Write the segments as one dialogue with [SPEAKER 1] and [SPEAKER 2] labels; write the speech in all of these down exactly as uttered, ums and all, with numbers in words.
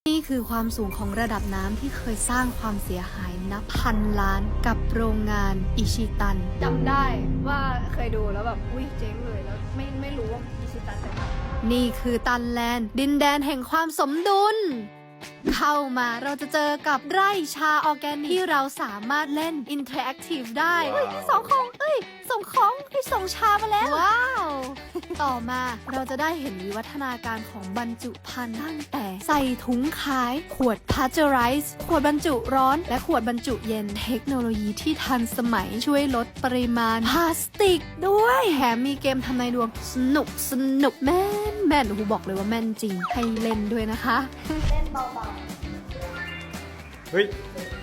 [SPEAKER 1] นี่คือความสูงของระดับน้ำที่เคยสร้างความเสียหายนับพันล้านกับโรงงานอิชิตัน
[SPEAKER 2] จำได้ว่าเคยดูแล้วแบบอุ้ยเจ๊งเลยแล้วไม่ไม่รู้ว่าอิชิตันเป็นอะไร
[SPEAKER 1] นี่คือตันแลนด์ดินแดนแห่งความสมดุลเข้ามาเราจะเจอกับไร่ชาออร์แกนิกที่เราสามารถเล่นอินเทอร์แอคทีฟได้เฮ้ยพี่สองของเอ้ยส่งของพี่ส่งชามาแล้วว้าวต่อมาเราจะได้เห็นวิวัฒนาการของบรรจุภัณฑ์ตั้งแต่ใส่ถุงขายขวดพาสเจอไรส์ขวดบรรจุร้อนและขวดบรรจุเย็นเทคโนโลยีที่ทันสมัยช่วยลดปริมาณพลาสติกด้วยแถมมีเกมทำนายดวงสนุกสนุกแม่นแม่นโอ้โหบอกเลยว่าแม่นจริงให้เล่นด้วยนะคะ
[SPEAKER 2] เล่นเบา
[SPEAKER 3] เฮ้ย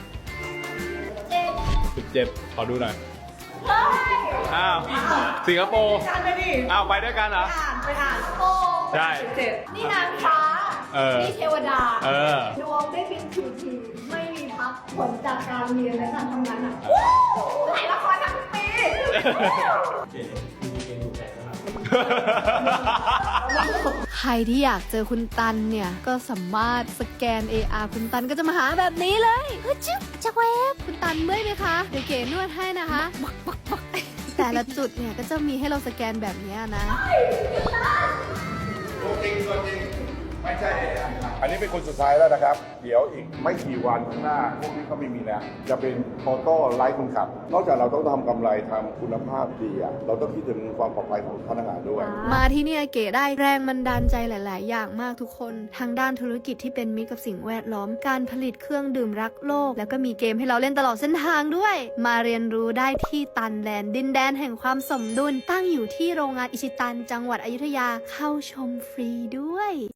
[SPEAKER 3] สิบเจ็ดขอดูหน่อยอ้าว สิงคโปร์อ้าว ไปด้วยกันเหรอ
[SPEAKER 2] อ่านไปอ่านโอ้
[SPEAKER 3] ใช่
[SPEAKER 2] เจ็ดนี่นางฟ้า
[SPEAKER 3] เออ
[SPEAKER 2] นี่เทวดา
[SPEAKER 3] เออ
[SPEAKER 2] ดวงได้บินทีทีไม่มีพักผลจากการเรียนและการทำงานหนักถ่ายละครทั้งปี
[SPEAKER 1] ใครที่อยากเจอคุณตันเนี่ยก็สามารถสแกน เอ อาร์ คุณตันก็จะมาหาแบบนี้เลยเฮ้ยจิ๊บจักเวฟคุณตันเมื่อยไหมคะเดี๋ยวเก๋นวดให้นะคะบักบักบักแต่ละจุดเนี่ยก็จะมีให้เราสแกนแบบนี้นะ
[SPEAKER 4] ตัวจริงตัวจริงไม่ใช่ อันนี้เป็นคนสุดท้ายแล้วนะครับ เดี๋ยวอีกไม่กี่วันข้างหน้า พวกนี้เขาไม่มีแล้วจะเป็นออโต้ไลฟ์คนขับ นอกจากเราต้องทำกำไรทำคุณภาพดีอะเราต้องคิดถึงความปลอดภัยของพนักงานด้วย
[SPEAKER 1] มาที่เนี่ยเก๋ได้แรงบันดาลใจหลาย ๆ อย่างมากทุกคนทางด้านธุรกิจที่เป็นมิตรกับสิ่งแวดล้อมการผลิตเครื่องดื่มรักโลกแล้วก็มีเกมให้เราเล่นตลอดเส้นทางด้วยมาเรียนรู้ได้ที่ตันแลนด์ดินแดนแห่งความสมดุลตั้งอยู่ที่โรงงานอิชิตันจังหวัดอยุธยาเข้าชมฟรีด้วย